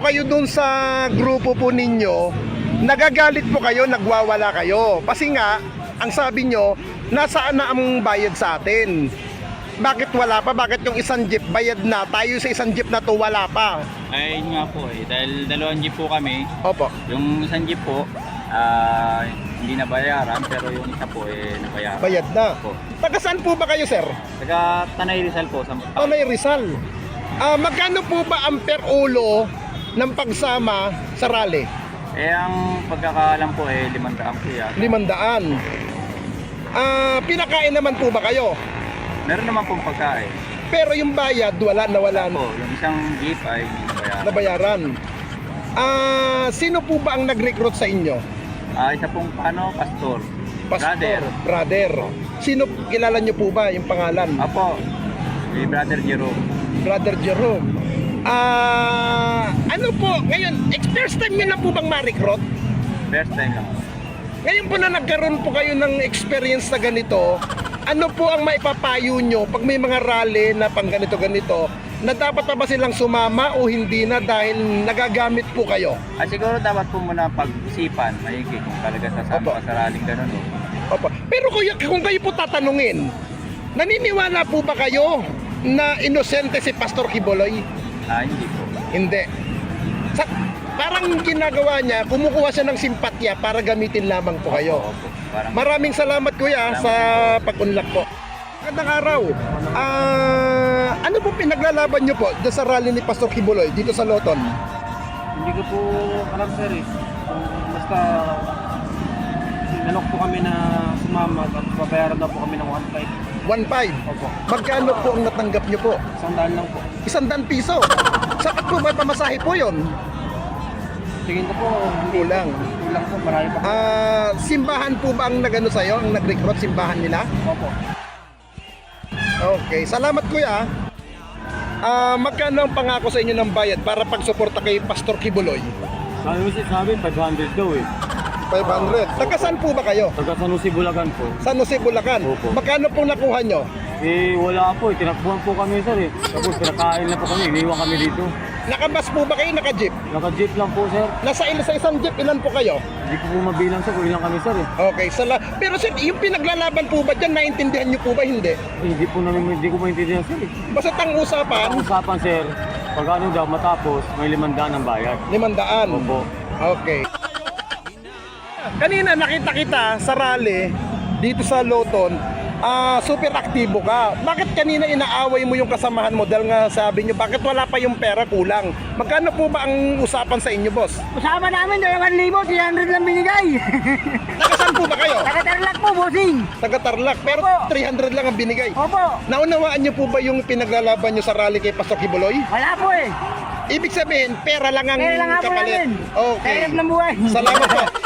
kayo dun sa grupo po ninyo, nagagalit po kayo, nagwawala kayo. Kasi nga, ang sabi nyo, nasaan na ang bayad sa atin? Bakit wala pa? Bakit yung isang jeep bayad na? Tayo sa isang jeep na to wala pa. Ay, yun nga po eh. Dahil dalawang jeep po kami. Opo. Yung isang jeep po, hindi nabayaran. Pero yung isa po eh, nabayaran. Bayad na. Opo. Taga saan po ba kayo, sir? Taga Tanay Rizal po. Tanay Rizal. Magkano po ba ang per ulo ng pagsama sa rally? Eh, ang pagkakaalam po eh, 500 po yan. 500. Pinakain naman po ba kayo? Meron naman pong pagkain. Pero yung bayad, wala. Po, yung isang jeep ay hindi Nabayaran. nabayaran. Sino po ba ang nag-recruit sa inyo? Isa pong pastor. Pastor, brother. Sino, kilala nyo po ba yung pangalan? Apo, si Brother Jerome. Brother Jerome. Ano po, ngayon, first time nyo na po bang ma-recruit? First time lang. Ngayon po na nagkaroon po kayo ng experience na ganito, ano po ang maipapayo nyo pag may mga rally na pang ganito-ganito, na dapat pa ba silang sumama o hindi na dahil nagagamit po kayo? Siguro dapat po muna pag-isipan, maigi kung talaga sasama ka sa rallyng ganun. Opo. Pero kuya, kung kayo po tatanungin, naniniwala po ba kayo na inosente si Pastor Quiboloy? Hindi po. Hindi. Parang ginagawa niya, kumukuha siya ng simpatya para gamitin lamang po kayo. Opo. Parang Maraming salamat kuya sa pag-unlock po. Magandang araw. Ano po pinaglalaban niyo po dyan sa rally ni Pastor Quiboloy dito sa Loton? Hindi ko po alam sir eh. Basta sinalok po kami na sumama at babayaran daw po kami ng 1.5. 1.5. Opo. Magkano po ang natanggap niyo po? 100 lang po. 100 piso. Sapat po ba pamasahe po yon? Tingin ko po Kulang. kulang po, marami pa po. Simbahan po ba ang nagano sa'yo? Ang nag-recruit simbahan nila? Opo. Okay, salamat kuya. Magkano ang pangako sa inyo ng bayad para pagsuporta kay Pastor Quiboloy? Sabi mo sa amin 500 daw eh. 500. Taga saan po ba kayo? Taga San Jose, Bulacan po. San Jose, Bulacan. Opo. Magkano pong nakuha nyo? Wala po eh. Tinakbuhan po kami sir eh. Tapos pinakain na po kami. Iniwan kami dito. Nakabas po ba kayo? Naka-jeep? Naka-jeep lang po sir. Sa isang jeep, ilan po kayo? Hindi ko po mabilang sir kung ilang kami sir eh. Okay, pero sir, yung pinaglalaban po ba dyan, naintindihan nyo po ba? Hindi. Hindi ko maintindihan sir eh. Basta ang usapan, Ang usapan sir, pag ano daw matapos, may 500 ang bayad. 500. Opo. Okay. Kanina nakita kita sa rally dito sa Loton, super aktibo ka. Bakit kanina inaaway mo yung kasamahan mo dahil nga sabi nyo, bakit wala pa yung pera, kulang? Magkano po ba ang usapan sa inyo, boss? Usama namin 2,000, 300 lang binigay. Nakasan po ba kayo? Nakatarlak po, bossing. Taga Tarlac, pero Opo. 300 lang ang binigay. Opo. Naunawaan nyo po ba yung pinaglalaban nyo sa rally kay Pastor Quiboloy? Wala po eh. Ibig sabihin, pera lang ang Kaya lang nga po kapalit. namin. Okay. Kahirap ng buhay. Salamat po.